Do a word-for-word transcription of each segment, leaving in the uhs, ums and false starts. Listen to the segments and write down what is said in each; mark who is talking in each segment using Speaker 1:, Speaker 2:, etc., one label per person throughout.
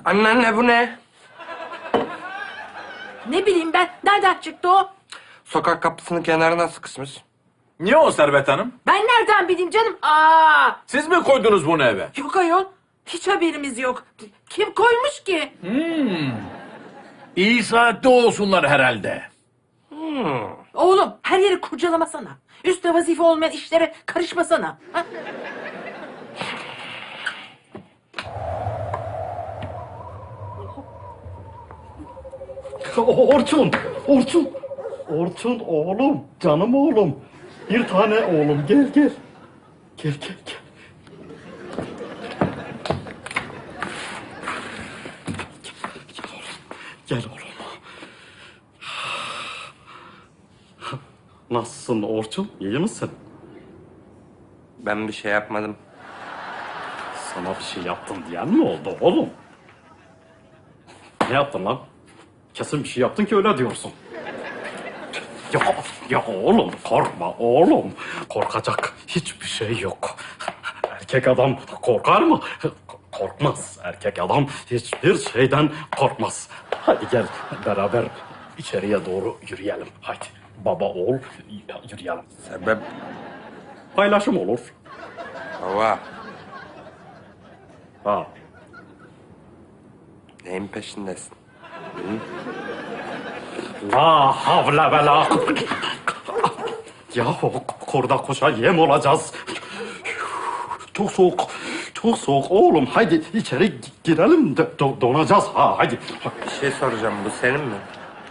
Speaker 1: Anneanne bu ne?
Speaker 2: Ne bileyim ben, nereden çıktı o?
Speaker 1: Sokak kapısının kenarına sıkışmış.
Speaker 3: Niye o Servet Hanım?
Speaker 2: Ben nereden bileyim canım? Aa,
Speaker 3: Siz mi koydunuz bunu eve?
Speaker 2: yok ayol. Hiç haberimiz yok. Kim koymuş ki?
Speaker 4: İyi saatte olsunlar herhalde.
Speaker 2: Oğlum her yeri kurcalamasana. Üstte vazife olmayan işlere karışmasana. Ha?
Speaker 5: Orçun, Orçun, Orçun oğlum, canım oğlum. Bir tane oğlum, gel gel. Gel gel gel. Gel oğlum, gel oğlum. Nasılsın Orçun, iyi misin?
Speaker 1: Ben bir şey yapmadım.
Speaker 5: Sana bir şey yaptım diyen mi oldu oğlum? Ne yaptın lan? Kesin bir şey yaptın ki öyle diyorsun. Ya, ya oğlum korkma oğlum. Korkacak hiçbir şey yok. Erkek adam korkar mı? Korkmaz. Erkek adam hiçbir şeyden korkmaz. Hadi gel beraber içeriye doğru yürüyelim. Hadi baba oğul yürüyelim.
Speaker 1: Sebep
Speaker 5: Paylaşım olur.
Speaker 1: baba.
Speaker 5: Ha.
Speaker 1: Neyin peşindesin?
Speaker 5: La havle ve la... Yahu kurda kuşa yem olacağız. Çok soğuk, çok soğuk oğlum. Haydi içeri girelim de do- donacağız. Ha haydi.
Speaker 1: Bir şey soracağım, bu senin mi?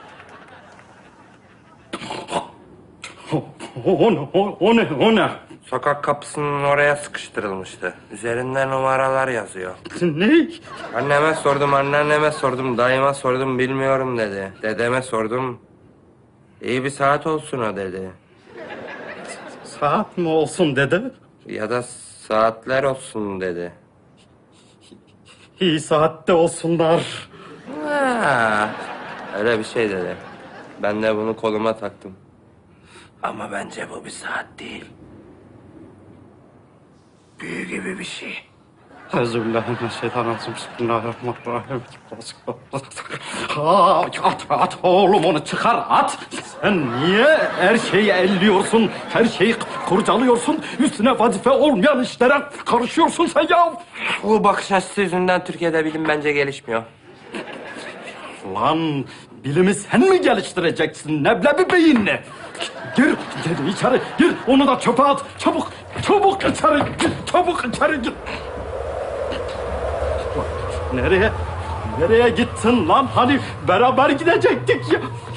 Speaker 5: O, o, o, o ne, o ne?
Speaker 1: Sokak kapısının oraya sıkıştırılmıştı. Üzerinde numaralar yazıyor.
Speaker 5: Ne?
Speaker 1: Anneme sordum, anneanneme sordum, dayıma sordum, bilmiyorum dedi. Dedeme sordum. İyi bir saat olsun o dedi.
Speaker 5: Saat mi olsun dedi?
Speaker 1: Ya da saatler olsun dedi.
Speaker 5: İyi saatte olsunlar.
Speaker 1: Ha, öyle bir şey dedi. Ben de bunu koluma taktım. Ama bence bu bir saat değil. Büyü gibi bir şey.
Speaker 5: Euzubillahimineşşeytanirracim. Bismillahirrahmanirrahim. Ha, at, at oğlum onu çıkar at. Sen niye her şeyi elliyorsun, her şeyi kurcalıyorsun, üstüne vazife olmayan işlere karışıyorsun sen ya?
Speaker 1: Bu bakış açısı yüzünden Türkiye'de bilim bence gelişmiyor.
Speaker 5: Lan bilimi sen mi geliştireceksin neblebi beyinle? Gir, gir içeri, gir onu da çöpe at. Çabuk, çabuk içeri gir, çabuk içeri gir. Nereye? Nereye gittin lan? Hani beraber gidecektik ya.